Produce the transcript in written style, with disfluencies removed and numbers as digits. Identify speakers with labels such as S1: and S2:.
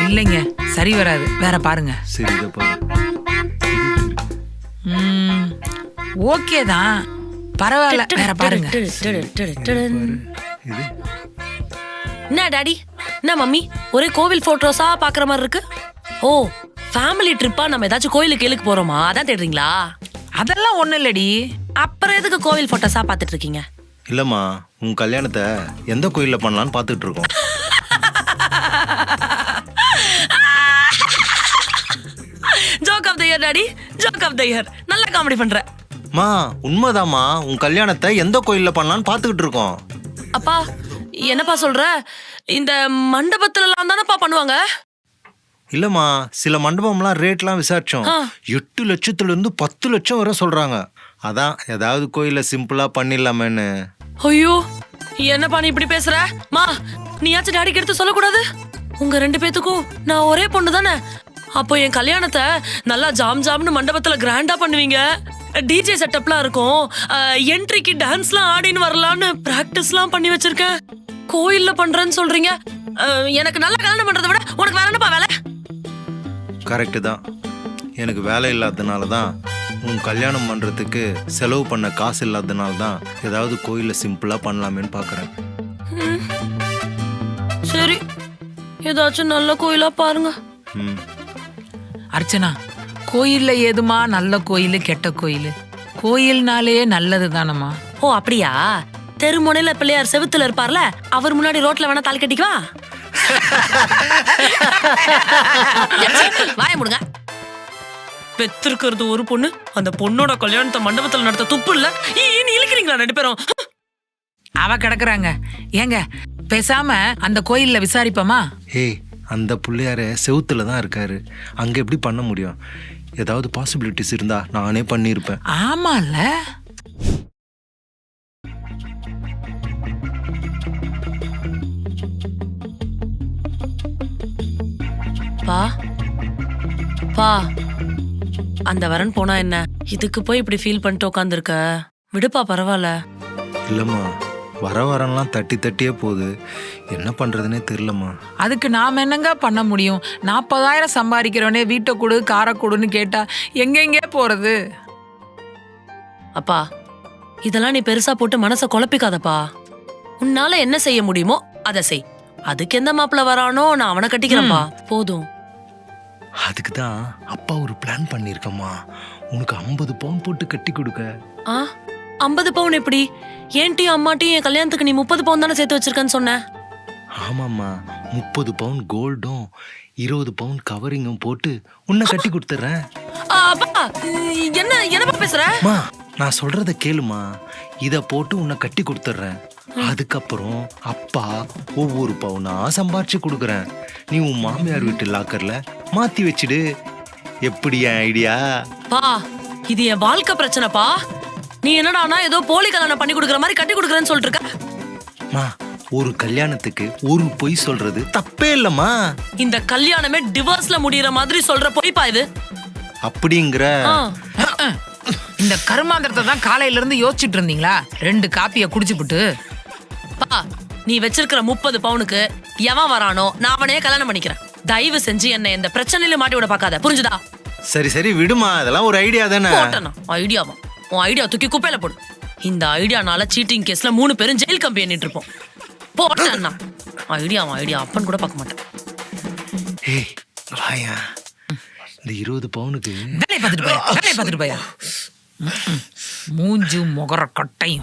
S1: இல்லைங்க, சரி வராது, வேற பாருங்க.
S2: சரி இதை பாரு.
S1: ஓகே தான், பரவாயில்ல, வேற பாருங்க.
S2: இது
S3: என்ன டாடி, என்ன மம்மி, ஒரே கோவில் போட்டோஸா பாக்குற மாதிரி இருக்கு. ஓ, ஃபேமிலி ட்ரிப்பா நம்ம ஏதாச்சும் கோயிலுக்கு கேளுக்கு போறோமா, அதான் தேடுறீங்களா?
S1: அதெல்லாம் ஒண்ணு இல்லடி.
S3: அப்புறம் எதுக்கு கோவில் போட்டோஸா பாத்துட்டு இருக்கீங்க?
S2: இல்லம்மா, உன் கல்யாணத்தை எந்த கோயில்ல பண்ணலான்னு பாத்துட்டு இருக்கோம்.
S3: Joke of the year daddy, joke of the year. நல்ல காமெடி பண்ற.
S2: மா உண்மைதாம்மா, உன் கல்யாணத்தை எந்த கோயில்ல பண்ணலான்னு பாத்துக்கிட்டு இருக்கோம்.
S3: அப்பா என்னப்பா சொல்ற? இந்த மண்டபத்துல எல்லாம் தானப்பா பண்ணுவாங்க.
S2: இல்லம்மா, சில மண்டபம்லாம் ரேட்லாம் விசாரிச்சோம். 8 லட்சத்துல இருந்து 10 லட்சம் வரை சொல்றாங்க. அதான் ஏதாவது கோயில சிம்பிளா பண்ணிடலாமேன்னு.
S3: ஐயோ, என்னப்பா நீ இப்படி பேசுற? மா, நீயாச்சும் டாடிக்கு எடுத்து சொல்லக்கூடாது? உங்க 2 பேத்துக்கும் நான் ஒரே பொண்ணு தானே. அப்போ என் கல்யாணத்தை நல்லா ஜாம் ஜாம்னு மண்டபத்துல கிராண்டா பண்ணுவீங்க. டிஜே செட்டப்லாம் இருக்கும். என்ட்ரிக்கு டான்ஸ்லாம் ஆடின்னு வரலான்னு பிராக்டிஸ்லாம் பண்ணி வச்சிருக்கேன். கோயில்ல பண்றேன்னு சொல்றீங்க. எனக்கு நல்லா கல்யாணம் பண்றதை விட உனக்கு வேற என்னப்பா வேலை?
S2: கரெக்டு தான். எனக்கு வேலை இல்லாததுனால தான், உன் கல்யாணம் பண்றதுக்கு செலவு பண்ண காசு இல்லாததுனால தான் ஏதாவது கோயில்ல சிம்பிளா பண்ணலாமேன்னு பாக்குறேன்.
S3: சரி, ஏதாச்சும் நல்ல கோயிலா பாருங்க.
S1: அர்ச்சனா, கோயில்ல ஏதுமா நல்ல கோயில் கெட்ட கோயில்? கோயில்னாலே நல்லது தானம்மா.
S3: ஓ அப்படியா? தெருமுனையில பிள்ளையார் செவுத்துல இருப்பார்ல, அவர் முன்னாடி ரோட்ல வேணா தாலி கட்டிக்குவா. வாய முடுங்க. பெத்திருக்கிறது ஒரு பொண்ணு, அந்த பொண்ணோட கல்யாணத்தை மண்டபத்துல நடத்த துப்பு இல்ல. நீ இழுக்கிறீங்களா 2 பேரும்?
S1: அவ கிடக்குறாங்க. ஏங்க பேசாம அந்த கோயில்ல விசாரிப்போமா?
S2: ஏய், அந்த பிள்ளையார செவுத்துல தான் இருக்காரு, அங்க எப்படி பண்ண முடியும்? ஏதாவது பாசிபிலிட்டிஸ் இருந்தா நானே பண்ணிருப்பேன்.
S1: ஆமால.
S3: பா பா, அந்த வரன் போனா என்ன, இதுக்கு போய் இப்படி ஃபீல் பண்ணிட்டு உட்காந்துருக்க. விடுப்பா, பரவாயில்ல.
S2: இல்லம்மா, வரலாம் தட்டி தட்டியே போகுது, என்ன பண்றதுன்னே தெரியலம்மா.
S1: அதுக்கு நாம என்னங்க பண்ண முடியும்? 40,000 சம்பாதிக்கிறவனே வீட்டை கொடு காரை கொடுன்னு கேட்டா எங்கெங்கே போறது?
S3: அப்பா, இதெல்லாம் நீ பெருசா போட்டு மனசை குழப்பிக்காதப்பா. உன்னால என்ன செய்ய முடியுமோ அதை செய். அதுக்கு எந்த மாப்பிள்ள வரானோ நான் அவனை கட்டிக்கிறேன்ப்பா, போதும்.
S2: அதுக்கு தான் அப்பா ஒரு பிளான் பண்ணிருக்கம்மா, உனக்கு 50 பவுன் போட்டு கட்டி கொடுக்க.
S3: 50 பவுன் எப்படி? ஏன்ட்டியும் அம்மாட்டியும் என் கல்யாணத்துக்கு நீ 30 பவுன் தானே சேர்த்து வச்சிருக்கேன்னு சொன்ன.
S2: ஆமாம்மா, 30 பவுன் கோல்டும் 20 பவுன் கவரிங்கும் போட்டு உன்னை கட்டி கொடுத்துறேன்.
S3: அப்பா, என்னப்பா பேசுற?
S2: நான் சொல்றத கேளுமா, இத போட்டு உன்னை கட்டி கொடுத்துறேன். அதுக்கப்புறம் அப்பா ஒவ்வொரு பவுனா சம்பாரிச்சு கொடுக்குறேன். நீ உன் மாமியார் வீட்டு லாக்கர்ல மாத்தி வச்சிடு. எப்படி ஐடியா?
S3: பா, இது என் வாழ்க்கை பிரச்சனைப்பா. நீ என்னடானா ஏதோ போலி கல்யாணம் பண்ணி கொடுக்குற மாதிரி கட்டி கொடுக்குறேன்னு சொல்லிட்டு இருக்க.
S2: ஒரு கல்யாணத்துக்கு ஒரு பொய் சொல்றது தப்பே இல்லம்மா.
S3: இந்த கல்யாணமே டிவோர்ஸ்ல முடியற மாதிரி சொல்ற பொய்ப்பா இது.
S2: அப்படிங்கிற
S1: இந்த கருமாந்திரத்தை தான் காலையில இருந்து யோசிச்சுட்டு இருந்தீங்களா? 2 காப்பிய குடிச்சுப்புட்டு.
S3: பா, நீ வச்சிருக்கிற 30 பவுனுக்கு எவன் வரானோ நான் அவனையே கல்யாணம் பண்ணிக்கிறேன். தயவு செஞ்சு என்ன இந்த பிரச்சனையில மாட்டி விட பாக்காத, புரிஞ்சுதா?
S2: சரி சரி விடுமா, அதெல்லாம் ஒரு ஐடியா தானே.
S3: ஐடியாவா? உன் ஐடியா தூக்கி குப்பையில போடு. இந்த ஐடியானால சீட்டிங் கேஸ்ல 3 பேரும் ஜெயில் கம்பி எண்ணிட்டு இருப்போம். போட்டேன்னா ஐடியா அப்பன் கூட பார்க்க மாட்டேன்.
S2: ஏய் வாயா, இந்த 20 பவுனுக்கு
S1: வேலையை பார்த்துட்டு போயா, மூஞ்சு முகர கட்டையும்